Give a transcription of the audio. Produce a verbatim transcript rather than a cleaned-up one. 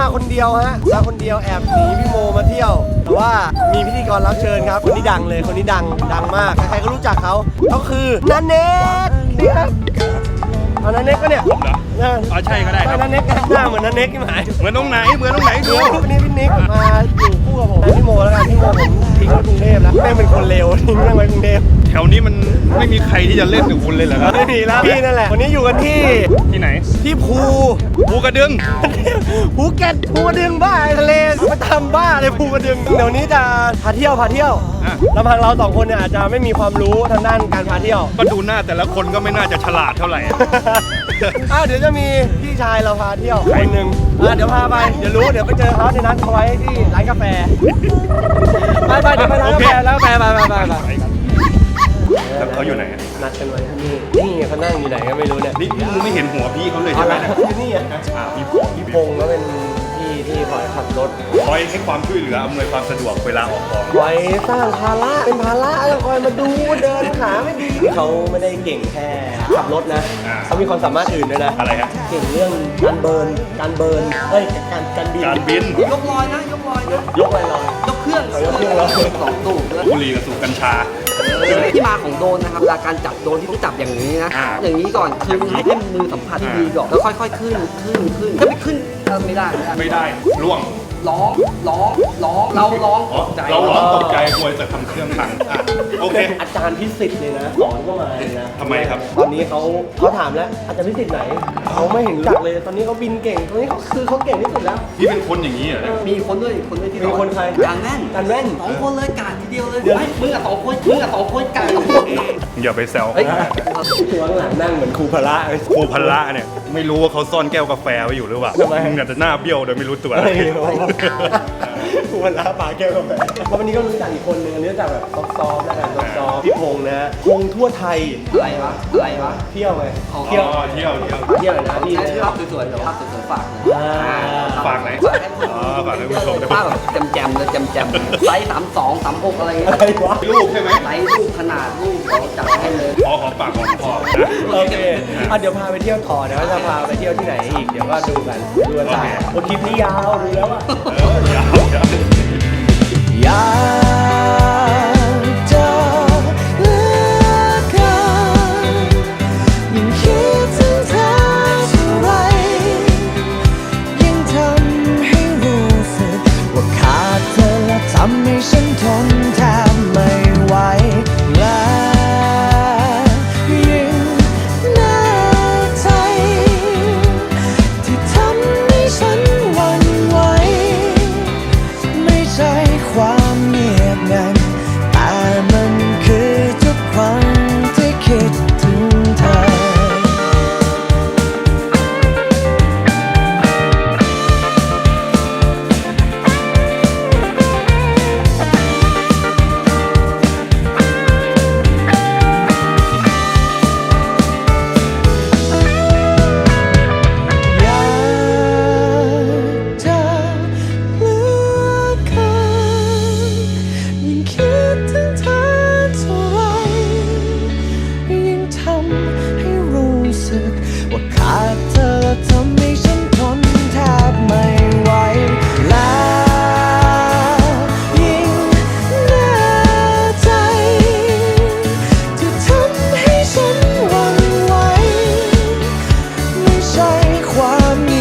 มาคนเดียวฮะมาคนเดียวแอบหนีพี่โมมาเที่ยวแต่ว่ามีพิธีกรรับเชิญครับคนนี้ดังเลยคนนี้ดังดังมากใครๆก็รู้จักเขาเขาคือนันเน็กนี่ครับเอานันเน็กก็เนี่ยผมเหรออ๋อใช่ก็ได้ครับนันเน็กหน้าเหมือนนันเน็กที่หมายเหมือนตรงไหนเหมือนตรงไหนดูวันนี้พี่นิกมาอยู่คู่กับผมพี่โมแล้วกันพี่โมผมทิ้งไว้กรุงเทพแล้วแม่งเป็นคนเลวทิ้งแม่งไว้กรุงเทพแถวนี้มันไม่มีใครที่จะเล่นกับคุณเลยเหรอครับไม่มีแล้วพี่นั่นแหละวันนี้อยู่กันที่ที่ไหนที่ภูภูกระดึงภูเก็ตภูกระดึงบ้าทะเลมาทำบ้าเลยภูกระดึงเดี๋ยวนี้จะพาเที่ยวพาเที่ยวลำพังเราสองคนเนี่ยอาจจะไม่มีความรู้ทางด้านการพาเที่ยวก็ดูหน้าแต่ละคนก็ไม่น่าจะฉลาดเท่าไหร่อ้าวเดี๋ยวจะมีพี่ชายเราพาเที่ยวคนหนึ่งอ่ะเดี๋ยวพาไปเดี๋ยวรู้เดี๋ยวไปเจอเขาในนัดเขาไว้ที่ร้านกาแฟไปไปเดี๋ยวไปร้านกาแฟแล้วไปไปไปไปไปแล้วเขาอยู่ไหนนัดกันไว้ที่นี่นี่เขานั่งอยู่ไหนก็ไม่รู้เนี่ยนี่มึงไม่เห็นหัวพี่เขาเลยใช่ไหมที่นี่อ่ะพี่พงพี่พงก็เป็นพี่ที่คอยขับรถคอยให้ความช่วยเหลืออำนวยความสะดวกเวลาออกกองคอยสร้างภาระเป็นภาระแล้วคอยมาดูเดินขาไม่ดีเขาไม่ได้เก่งแค่ขับรถนะเขามีความสามารถอื่นด้วยนะอะไรฮะเก่งเรื่องการเบิร์นการเบิร์นเฮ้ยการการบินการบินยกลอยนะยกลอยยกอะไรลอยยกเครื่องยกเครื่องลอยสองตู้บุหรี่กับสูบกัญชาที่มาของโดนนะครับเวลาการจับโดนที่ต้องจับอย่างนี้นะอย่างนี้ก่อนคือให้ให้มือสัมผัสที่ดีก่อนแล้วค่อยๆขึ้นขึ้นขึ้นถ้าไม่ขึ้นไม่ได้ไม่ได้ล่วงร้องร้องร้องเราร้องตกใจเราร้องตกใจกลัวจะทำเครื่องพังอ่ะโอเคอาจารย์พิสิทธิ์เลยนะสอนก็มาเลยนะทำไมครับตอนนี้เขาเขาถามแล้วอาจารย์พิสิทธิ์ไหนเขาไม่เห็นจักเลยตอนนี้เขาบินเก่งตอนนี้เขาคือเขาเก่งที่สุดแล้วพี่เป็นคนอย่างนี้เหรอมีคนด้วยคนด้วยที่มีคนใครการแว่นการแว่นสองคนเลยกาดทีเดียวเลยไอ้มึงกับสองคนมึงกับสองคนกาดสองคนอย่าไปแซวตัวหลังนั่งเหมือนครูพละครูพละเนี่ยไม่รู้ว่าเขาซ่อนแก้วกาแฟไว้อยู่หรือเปล่ามึงอาจจะหน้าเบี้ยวโดยไม่รู้ตัวครูพละปาแก้วกาแฟวันนี้ก็รู้จักอีกคนนึงอันนี้รู้จักแบบซอฟๆแล้วกันซอฟๆพี่พงษ์นะพงษ์ทั่วไทยอะไรวะอะไรวะเที่ยวไงเที่ยวเที่ยวเที่ยวเที่ยวนะพี่ภาพสวยๆภาพสวยๆฝากฝากไหนอ๋อฝากให้ผู้ชมภาพแบบแจมๆเลยแจมๆไซส์สามสองสามหกอะไรเงี้ยลูกใช่ไหมไซส์ลูกขนาดลูกเราจัดให้เลยพอของฝากของพ่อโอเคอ่ะเดี๋ยวพาไปเที่ยวต่อเดี๋ยวจะพาไปเที่ยวที่ไหนอีกเดี๋ยวก็ดูกันดูกันไปโอ้คลิปนี้ยาวดูแล้วอ่ะยาวยาวอยากจะเลือกกันยิ่งคิดถึงเธอเท่าไรยิ่งทำให้รู้สึกว่าขาดเธอและทำให้ฉันทนแทบไม่ไหวและยิ่งแน่ใจที่ทำให้ฉันหวั่นไหวไม่ใช่ความเงียบงันแต่มันคือทุกครั้งที่คิดถึงเธอว่าขาดเธอทำให้ฉันทนแทบไม่ไหวและยิ่งแน่ใจที่ทำให้ฉันหวั่นไหวไม่ใช่ความ